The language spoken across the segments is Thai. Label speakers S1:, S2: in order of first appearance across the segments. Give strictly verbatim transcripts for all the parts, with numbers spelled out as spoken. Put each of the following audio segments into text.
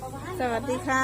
S1: สวัสดีค่ะ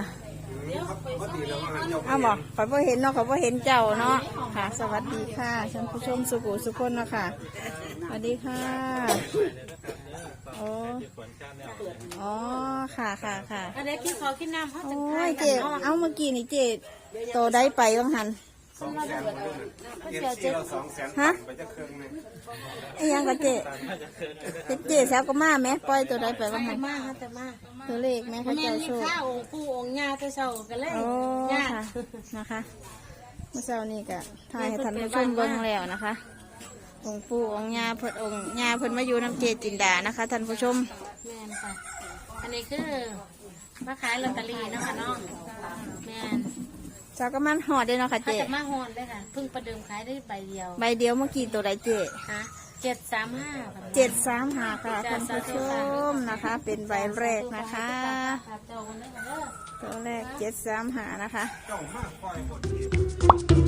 S1: เอาบอกขอพ่อเห็นเนาะขอพ่อเห็นเจ้าเนาะค่ะ สวัสดีค่ะท่านผู้ชมสุขุสุขคนเนาะค่ะสวัสดีค่ะโอ้อ๋อค่ะค่ะค่ะ
S2: อะไรกินขอกินน้ำเขาจะ
S1: โอ้ยเจ๊เอาเมื่อกี้นี่เจ๊โตได้ไปบ้างหัน
S3: สองแสนเจ็ดสี่เราสองแสน
S1: ฮะ
S3: ไปจะเครื่องนึง
S1: ไอ้ยังกับเจ๊เจ๊แซวก็มาไหมปล่อยตัวได้ไปบ้างหัน
S2: มากแต่มาก
S1: ตัวเลขไหมเขา
S2: แม่
S1: เจ้า
S2: มี
S1: โชค
S2: ข้าวองค์ปู่องค์ย่าแต่เช้ากันเลย
S1: โอ้
S2: ย่า
S1: ค่ะนะคะเมื่อเช้านี้ก็ถ่ายให้ท่านผู้ชมเบิ่งแล้วนะคะองค์ปู่องค์ย่าเพิ่นองค์ย่าเพิ่นมาอยู่น้ำเจจินดานะคะท่านผู้ชม
S2: แม่นค่ะอันนี้คือมาขายลอตเตอรี่นะคะน้องแม่น
S1: เจ้าก็มันหอดได้เนาะค่ะ
S2: เขา
S1: เจ
S2: จะมาฮอนเลยค่ะเพิ่งประเดิมขายได้ใบเดียว
S1: ใบเดียวเมื่อกี้ตัวใดเจ
S2: ฮะเจ็ดสามห้า
S1: เจ็ดสามหาค่ะท่านผู้ชมนะคะ เป็นใบแรกนะคะ
S2: เจ้าคนนี้กันเด้อ
S1: ตัวแรกเจ็ดสามหานะคะ
S3: เจ้ามากปล่อยหมด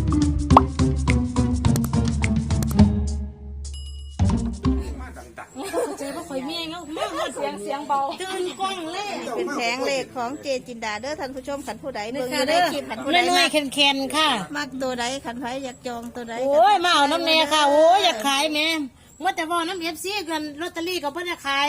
S3: มาดัง
S2: เจอว่าข่อยเมียเงามากเสียงเสียงเบาตื่นกล้องเลย
S1: เป็นแผงเลขของเจจินดาเด้อท่านผู้ชมขันผู้ใดเบิ่งอยู่ในคลิปขันผู้ใด
S2: น้อ
S1: มาย ก
S2: ๆเค็นๆค่ะ
S1: มักตัวใดขันไผอยากจองตัวใด
S2: โอ้ยมาเอาน้ำเนยค่ะ โอ้ยอยากขายแม่เมื่อแต่ว่าน้ำเอฟซีกันลอตเตอรี่ก็เพิ่งจะขาย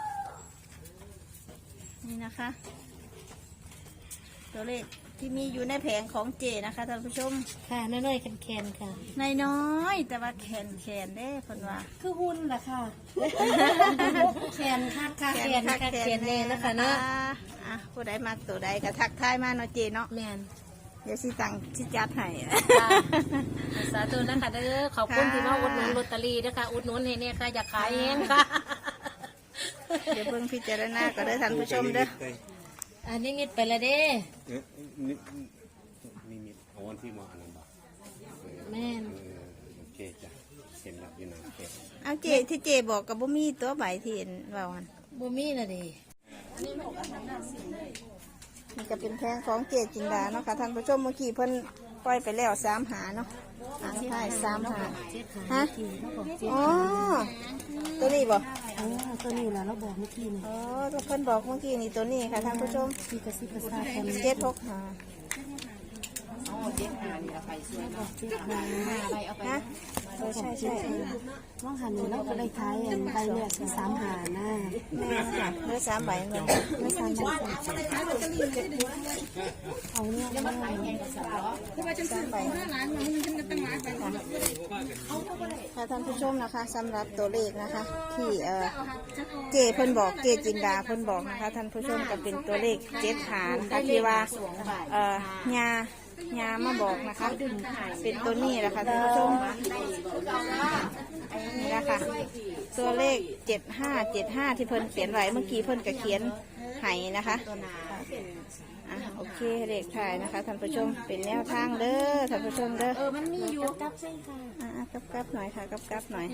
S1: นี่นะคะ ตัวเลขที่มีอยู่ในแผงของเจนะคะท่านผู้ชม
S2: ค่ะน้อยๆแคนๆค่ะ
S1: นายน้อยแต่ว่าแขนแขนเด้คนว่า
S2: คือหุ้นแหละค่ะแคนค่ะค่ะแคนค่ะแคนเลยนะคะเนาะ
S1: อ่ะผู้ใดมาตัวใดก็ทักทายมาเนาะเจเนาะ
S2: แมน
S1: เดี๋ยวสิตังสิจัดให้
S2: สาธุนะคะเด้อขอบคุณที่มาอุดหนุนลอตเตอรี่นะคะอุดหนุนให้เนี่ยค่ะอยากขายเองค่ะ
S1: เดี๋ยวเพิ่งพิจารณาก็ได้อท่านผู้ชมเด้อ
S2: อันนี้นิดไปละเด้
S3: เอ๊ะนี่นี่มีเอาวันที่มาอันนั้นบ่
S2: แม่น
S3: เออโอเคจ้ะเห็นแล้วอยู่นะโอเค
S1: เอาเจที่เจบอกกับบ่มีตัวใบที่เห็นว่าวัน
S2: บ่มีละเด้
S1: นี่ก็เป็นแผงของเจจินดาเนาะค่ะท่านผู้ชมเมื่อกี้เพิ่นปล่อยไปแล้วสามหาเนาะหาใช่สามหาฮะอ๋อตัวนี้บ่
S2: โอ้ตัวนี้ล่ะเราบอกเมื่อกี้นี่
S1: อ๋อเพิ่นบอกเมื่อกี้นี่ตัวนี้ค่ะท่านผู้ชม
S2: ที่กระซิบกระซาบกัน
S1: เจ็ดหกหา
S2: เจ็ดหาใบเอาไป
S1: ฮะเออใช่ใช่
S2: ว่างหันนี่เราก็ได้ขายอันใบเนี่ยคือสามหาหน้า
S1: แม่ค่ะเนื้อสามใบเนาะ
S2: ไม่สามใบเอาเนี่ยไม่ได้
S1: สามใบค่ะท่านผู้ชมนะคะสำหรับตัวเลขนะคะ ที่เออเจเพิ่นบอกเจจินดาเพิ่นบอกนะคะท่านผู้ชมก็เป็นตัวเลขเจ็ดหานะคะที่ว่าเออยายามาบอกนะคะ เป็นตัวนี้แหละค่ะท่านผู้ชมนี่นะคะตัวเลขเจ็ดห้าเจ็ดห้าที่เพิ่นเขียนไว้เมื่อกี้เพิ่นก็เขียนไห้นะคะอ่ะโอเคเลขถ่ายนะคะท่านผู้ชมเป็นแนวทางเด้อท่านผู้ชมเด้อ
S2: เออมันมีอยู่กับเส้นค่ะ
S1: อ่ะกับกับหน่อยค่ะกับกับหน่อย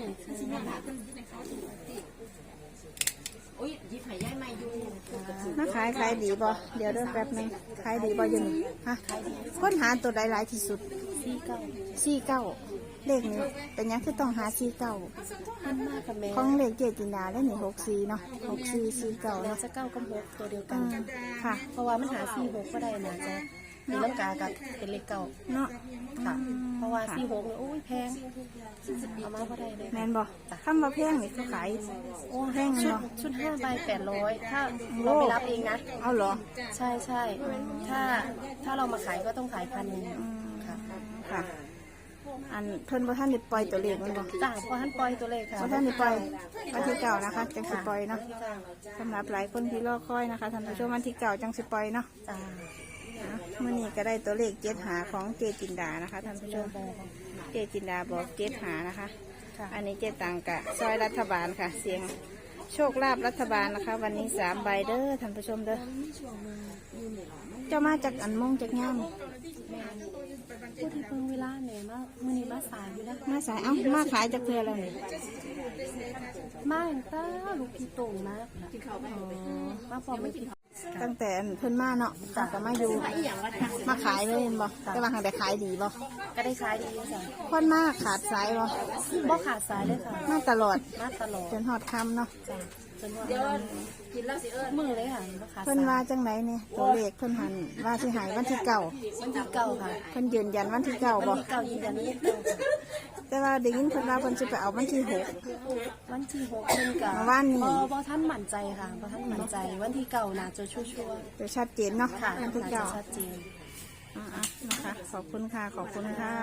S2: อุ้ยยิบหายย่ายไม่อยู่
S1: มาขายขายดีบ่เดี๋ยวเด้อแป๊บหนึงขายดีบ่อยังฮะค้นหาตัวใดหลายที่สุด
S2: สี่เก้า
S1: สี่เก้าเลขนี้เป็นยังคือต้องหาสี่เก้า
S2: มันมากกับแม่
S1: ของเลขเจจินดาแล้วนี่หกสี่เนาะหกสี่สี่เก้า
S2: เรา
S1: เนาะ
S2: จะเก้ากับหกตัวเดียวกั
S1: อื
S2: น
S1: มค่ะ
S2: เพราะว่ามันหาสี่หกก็ได้นะจ๊ะตีลังกากับเป็นเลขเก่า
S1: เนาะ
S2: ค่ะ เพราะว่าสี่หกเนี่ยโอ้ยแพงเอามาก็ได้เลย
S1: แมนบ่คำว่าแพงนี่เขาขาย
S2: โอ้
S1: แพง
S2: ชุด
S1: เนาะ
S2: ชุดห้าใบแปดร้อยถ้าเราไปรับเองนะ
S1: เอาเหรอ
S2: ใช่ใช่ถ้าถ้าเรามาขายก็ต้องขายพันหนึ่ง
S1: อืม
S2: ค่ะ
S1: ค่ะ อันเพิ่นบ่ท่านได้ปล่อยตัวเลขมันบ่
S2: จ้าพอท่านปล่อยตัวเลขค่ะ
S1: บ่ท่านได้ปล่อยวันที่เก่านะคะจังสิปล่อยเนาะสำหรับหลายคนที่รอคอยนะคะท่านผู้ชมวันที่เก่าจังสิปล่อยเนาะ
S2: จ้า
S1: เมื่อนี้ก็ได้ตัวเลขเจ็ดหาของเจจินดานะคะท่านผู้ชมเจจินดาบอกเจ็ดหานะคะ อันนี้เจตังกะซอยรัฐบาลค่ะ เสียงโชคลาภรัฐบาลนะคะ วันนี้สามใบเด้อท่านผู้ชมเด้อเจ้ามาจากอันมงจากย่าม
S2: พูดที่เพิ่งเวลาเนี่ยมามือนี้มาสายอยู่นะ
S1: มาสายเอ้ามาขายจากเพื่อแล้วนี่
S2: มาตั้งแต่ลูกพี่โต่งมากมาพอไม่กิน
S1: ตั้งแต่เพิ่นมาเนาะตั้งแต่มาอยู่มาขายเลยเห็นบ่แต่ว่าหางแต่ขายดีบ่
S4: ก็ได้ขายดีจ้ะ
S1: คนมาขาดสายบ่
S4: บ่ขาดสายเลยค่ะ
S1: มาตลอด
S4: มาตลอด
S1: จนฮอดค่ำเนาะ
S4: จ้ะจนว่ากินแล้วสิเอิ้นมือเลยค่ะบ่ขาด
S1: เพิ่น
S4: สาย
S1: ว่าจังไหนเนี่ยตัวเลขเพิ่นหันว่าสิหายวันที่เก้า
S4: วันที่เก้าค่ะ
S1: เพิ่นยืนยันวันที่เก้า
S4: วัน
S1: บ่
S4: ที่เก้ายืนยันวันที่เก้าค่ะ
S1: แต่ว่าได้ยินเพิ่นว่าเพิ่นสิไปเอาวันที่หก
S4: วันที่หกเพิ่นก็
S1: เมื่อวานนี้
S4: บ่บ่ท่านมั่นใจค่ะบ่ท่านมั่นใจวันที่เก้าน่าจะชัวร์
S1: จะชัดเจนเนาะ
S4: ๆค่ะ
S1: วันที่
S4: น่าจะ
S1: เก้า
S4: ชัดเจน
S1: อ่าๆนะคะขอบคุณค่ะขอบคุณค่ะ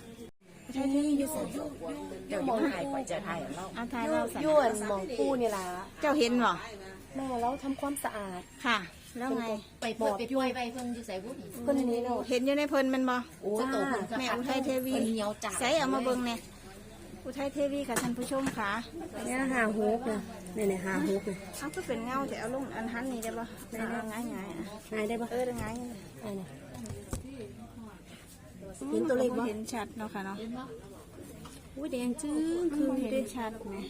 S4: เดี๋ยวมองถ่ายก่อนจะถ่ายแล้ว
S1: เอาทายเราสั่น
S4: ยวนหมองปูนี่ล่ะ
S1: เจ้าเห็นบ่
S4: แม่แล้วทำความสะอาด
S1: ค่ะ แล้วไง
S2: ไปเปิดไปป่วยไปเพิ่นอยู่ใส่บุญ
S4: เพิ่นนี้เนาะ
S1: เห็นอยู่ในเพิ่นแมันบ่
S2: โอ้โตเพิ่นก็
S1: แม่อุทัยเทวี
S2: เพิ่นเหนียวจ้า
S1: ใส่เอามาเบิ่งเนี่ยอุทัยเทวีค่ะท่านผู้ชมค่ะ
S4: เนี่ยหาฮุกน่ะเนี่ยๆหาฮุกน่ะ
S1: เอาก็เป็นเงาแต่เอาลงอันหันนี่ได้บ่เอาง่ายง่ายๆอ่ะ
S4: หายได้บ่
S1: เออได้ง่าย
S4: อันนี้
S1: เห็นตัวเลขบ่เห็นชัดเนาะค่ะเนาะ
S4: อุ้ยแดงจึ้ง
S1: คือเห็นชัดไหม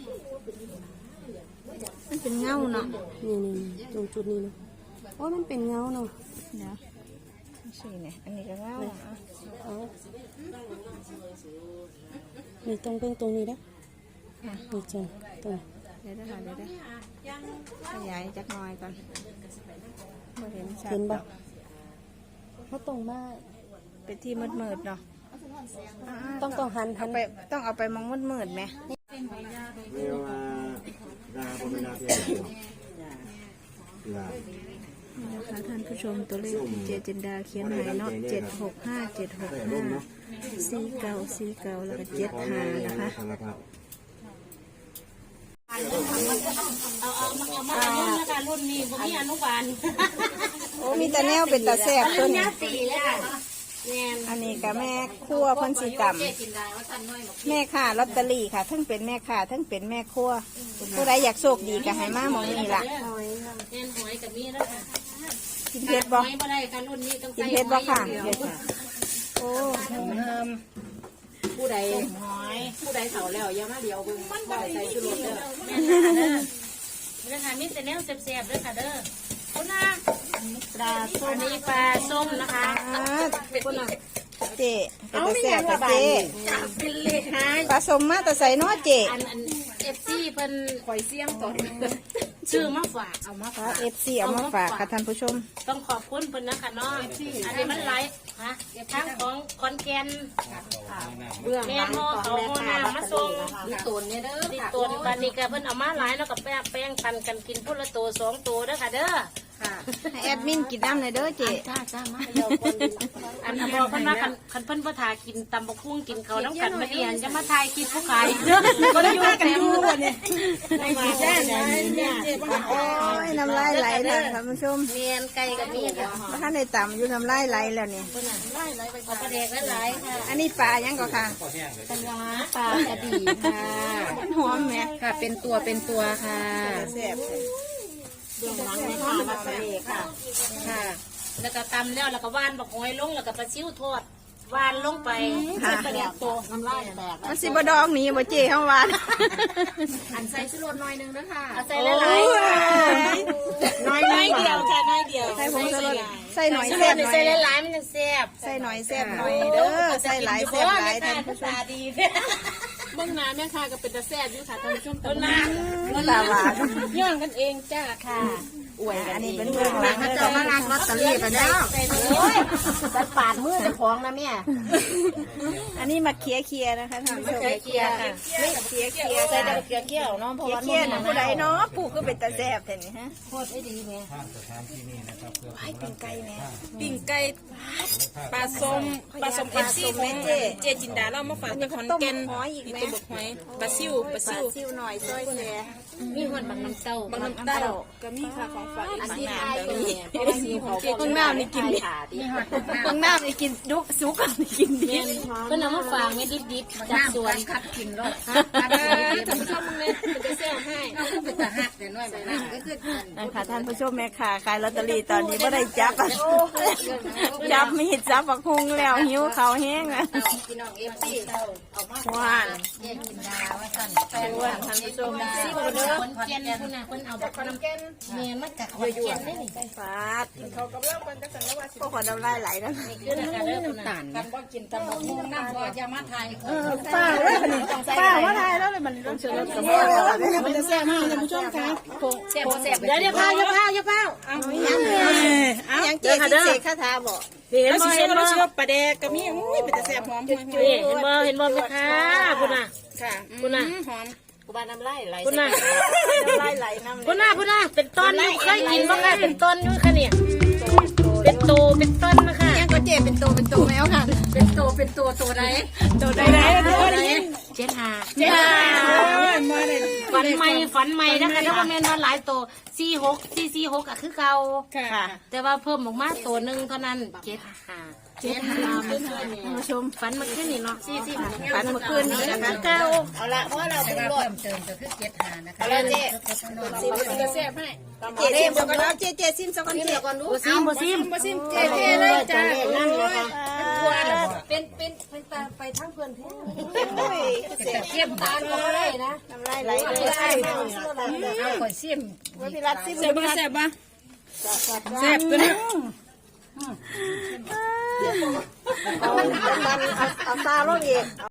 S1: มันเป็นเงาเนาะ
S4: นี่ๆตรงจุดนี้เนาะโอ้ยมันเป็นเงาเนาะ
S1: เดี๋ยวสิเนี่ยอันนี้ก็เงาอ่ะ
S4: เอานี่ตรงเป็นตรงนี้นะ
S1: ค่ะ
S4: นี่จังตรง
S1: เดี๋ยวได้ค่ะเดี๋ยวได้ขยายจักหน่อยก่อนบ่เห็นชัด
S4: เห็น
S1: ด
S4: บ่
S1: อก
S4: เขาตรงมาก
S1: เป็นที่มืดๆเนาะอ่า
S4: ต้องต้องหันหั
S1: เอา
S4: น
S1: ไปต้องเอาไปมองมืดๆไหม
S3: เรียกว่าดาบเวลาเพียงลา
S1: นี่นะคะท่านผู้ชมตัวเลขที่เจจินดาเขียนให้เนาะเจ็ดหกห้าเจ็ดหกห้าสี่เก้าสี่เก้าแล้วก็เจ็ดห้านะคะ
S2: เอาเอามาเอามารุ่นนะคะรุ่นนี้บ่มีอนุบาล
S1: โอ้มีแต่แนวเป็นตาแซ่บตัวนี้
S2: สี่แล้วค่ะแม่น
S1: อันนี้ก็แม่ครัวเพ่นสีต่
S2: เจ๊กินได้ว่าท่านน้อยบอก
S1: ำแม่ค้าลอตเตอรี่ค่ะ ทั้งเป็นแม่ค้าทั้งเป็นแม่ครัวผู้ใดอยากโชคดีก็ให้มาหมองนี่ล่ะ
S2: แม่นหอยกับมีแล้วค่ะ
S1: กินเผ็ดบ่
S2: หอยบ่ได้ค่ะรุ่นนี้ต้อง
S1: กิน
S2: ใส่
S1: เผ็ดบ่ค่ะ
S2: หอยอย่างเดียว
S1: โอ้
S4: ผู้ใด
S2: หอย
S4: ผู้ใดเฒ่าแล้วอย่ามาเดียวเบิ่งบ่ใส่ชุดรถเด้อ
S2: แม่นค่ะเด้อเด้อค่ะมีแต่แนวแซ่บๆเด้อค่ะเด้อคุณนะปลาส้มอันนี้ปลาส้มนะคะ
S1: อ่าคุณน่ะเจ๊เป็นตาแซ่บค่ะเจ๊
S2: เป็นเลขหาย
S1: ผสมมาแต่ใส่เน้อเจ๊
S2: อันอันเอฟซีเพิ่นข่อยเสียงก่อนชื่อมาฝากเอามาฝาก
S1: เอฟซีเอามาฝากค่ะท่านผู้ชม
S2: ต้องขอบคุณเพิ่นนะคะเนาะอันนี้มันไลฟ์ฮะทางของคอนแกน
S4: เบื้อง
S2: แม่
S4: หลัง
S2: โม
S4: ของ
S2: เขา
S4: แม่
S2: โม
S4: ค้า
S2: นามาส่ง
S4: มีตูนเนี่ยเด้อ
S2: ติดตัวบันนี้ก็เพิ่นเอามาหลายแล้วก็แป้งแป้งปันกันกินพุ่นละตัวสองตัวเด้อค่ะเด้อ
S4: ค่ะ
S1: ให้แอดมินกินน้ำเลยเด้อเจ๊
S2: จ้าจ้ามาเดี๋ยวคนอันนี้บอกเพิ่นว่าคันคันเพิ่นบ่ทากินตำบักหุ่งกินเขาวน้ำกันมาเอียนจะมาทายกินผู้ขายเด้อบ่ได้อยู่กันอยู่เนี่ยไม่มาแจ้งเนี่ย
S1: โอ้ยน้ำลายไหลเลยท่านผู้ชม
S2: เมียนไก่กับมีค่ะ
S1: ท่านในต่ำอยู่น้ำลายไหลแล้วนี่
S2: เอาปลาแดกหลายๆค่ะ
S1: อันนี้ปลายังก็ค่ะ
S2: ปลาปลากระดีค่ะ
S1: มันหอมไหม
S2: ค่ะเป็นตัวเป็นตัวค่ะ
S1: แซ่บ
S4: เบื้องหลังแม่ค้ามาทะเลค่ะ
S2: ค่ะ แล้วก็ตำแล้วแล้วก็ว่านบักหอยลงแล้วก็ปลาซิ่วทอดว่านลงไป
S1: ค่ะ
S2: ปลาแดกตัว
S4: น้ำลายแตก
S1: มันสิบดองหนี่บ่เจ๊ข้างวาน
S4: อันใส่ชุดรถหน่อยนึงนะคะ
S2: เอาใส่หลายๆค่ะ
S1: น้อย
S2: น้อยเดียวค่ะน้อยเดียว
S1: ใส่ผงชูรสใส่หน่อย
S2: ใส่
S1: แซ่บหน่อย
S2: ใส่หลายๆมันจะแซ่บ
S1: ใส่หน่อยแซ่บหน่อยเด้อใส่หลายแซ่บหลายท่านผู้ชม
S2: ตาดี
S4: เบื้องหน้าแม่ค้าก็เป็นตาแซ่บอยู่ค่ะท่านผู้ชม
S2: ต้นน้
S1: ตาหวาน
S4: ย่างกันเองจ้า
S2: ค่ะ
S4: อวยกั
S1: อั
S4: น
S1: น
S4: เอ
S1: นี้
S4: ง
S1: เป็นเรื่องราว
S4: เขาจะมาลักลอตเตอรี่ไปแล้ว
S2: โอ้ย
S4: จัดปาดมือเจ้าของนะแม่
S1: อันนี้มาเคลียร์เคลียร์นะคะท่านผู้ชม
S2: เคี่ยวค่ะ
S1: นี่เคลียร์เคลียร์
S2: ใส่
S1: ค่ะ
S2: แต่เกลือเคี่ยวเนาะเพราะ
S1: เคลียร์
S2: ว่า
S1: เคลียร์นะผู้ใดเนาะปลูกก็เป็นตาแซ่บแต่นี่ฮะ
S2: โคตรไม่ดีแม่
S1: ให้เป็นไก่แม่
S5: ปิ่งไก่ปลาส้มปลาส้มเอฟซีของเจจินดาเรามาฝากที่ขอนแก่น
S1: หอยอีก
S5: มี
S1: ไหม
S5: ตัวบกหอยปลาซิวปลา
S1: ปลา
S5: ซิว
S1: ซิวหน่อยซอยแซ่
S2: มีหอนบักน้ำเต้า
S5: บางน้ำเต้าก็มีค่ะของฝากอีก
S2: อัน
S5: บาง
S2: ที่
S5: นา
S2: ทาย
S5: ก็
S2: เป็น
S5: มี
S2: เนี่ย
S5: เอฟซีของเจจินดานี่กิน
S2: มีหอนบักน้
S1: บางน้ำนี่กินดุสุกนี่กินดี
S2: ำเพิ่นเอามาฝากไว้ดิบๆจากสวนคัดกินรส
S5: ท่านผู้ชมมึงเนี่ยมันจะแซ่บให้
S2: เป็นตาหักแต่
S1: นะคะท่านผู้ชมแม่ค้าขายลอตเตอรี่ตอนนี้ไม่ได้จับอะจับมีดจับบักฮุงแล้วหิวเขาวแห้งอ่ะหวานหวานท่านผู้ชม
S2: สิคนเด้อคนเจนคุณน่ะคนเอาบักน้ำแกนเมียมันกัดหัวเจนได้นี่
S1: ฟาดเขากำลังกันจะสั่งแล้วว่าก็ขอน้ำลายไหลนะ
S2: คือนะคะเด้อน้ำตาลกันบ่กินตำบักหุ่งน้ำบ่อย่ามาทาย
S1: ป้าว่าป้าว่าทายแล้วเลยมันต้องเชื่อกับแม่มันจะแซ่บมากท่านผู้ชมคะ
S2: แซ่บบ่แซ่บเดี๋ยวเดี๋ยวพาวอย่าพาวอย่าพาว
S1: ยังเจ๊ที่เสกคาถาบอก
S2: เห็น
S5: แล้ว
S2: บ่
S5: สิ
S2: เห็น
S5: เรา
S2: บ่
S5: เชื่อปลาแดกก็มีอุ้ยเป็นแต่แซ่บหอมห่วย
S2: นี่เห็นบ่เห็นบ่แม่ค้าพุ่นน่ะ
S5: ๆค่ะ
S2: พุ่นน่ะ
S5: หอม
S2: กูบ้านน้ำลายไหลพุ่นน่ะ
S1: น้ำลายไหลน้ำ
S2: พุ่นน่ะพุ่นน่ะเป็นต้นอยู่เคยกินบ่คะเป็นต้นอยู่ค่ะเนี่ยเป็นโตเป็นต้นนะคะ
S1: ยังก็เจ๊เป็นตัวเป็นตัวแมวค่ะ
S2: เป็นโตเป็นตัวตัวไหน
S1: ตัวใดใดตัวใด
S2: เจ็ดหา
S1: เจ๊
S5: มาเลย
S2: ฝันใหม่ฝันใหม่นะคะถ้าว่าแม่นว่าหลายโตสี่หกสี่สี่หกอะคือเก่า
S5: ค่ะ
S2: แต่ว่าเพิ่มออกมาตัวหนึ่งเท่านั้นเจ็ดหาเจ็ดหา
S1: ท่านผู้ชม
S2: ฝันเมาขึ้นนี่เนาะสี่สี่
S1: ฝันเมื่อคืนนี้นะคะ
S2: เก้า
S6: เอาละเพราะเราเป็นรถเพิ่มเติมก็คือเจ็ดหานะคะ
S1: เอาละเจ๊
S5: ซิมเป็นแต่แซ่บให้
S1: เจ๊ซิมสักก่อนเจ๊เจ๊ซิมสักก่อนเจ๊ก่อนดู
S2: โบซิมโบซิม
S5: บ่ซิมเจ๊เท่เลยจ้า
S2: นั่งเลยค่ะ
S6: เป็นเป็นเป็นตาไปทั้งเพื่อนเพื่อน
S1: โอ้ย
S6: แต่เทียบบ้านก็ไม่ได้นะ
S1: น้ำลายไหลเลย
S6: เอาข่อยซิม
S1: ว่าพี่รัฐซิม
S5: แซ่บบ่แซ่บบ่แซ่บตัวนี้
S1: เอาเอาเอาซาลงอีก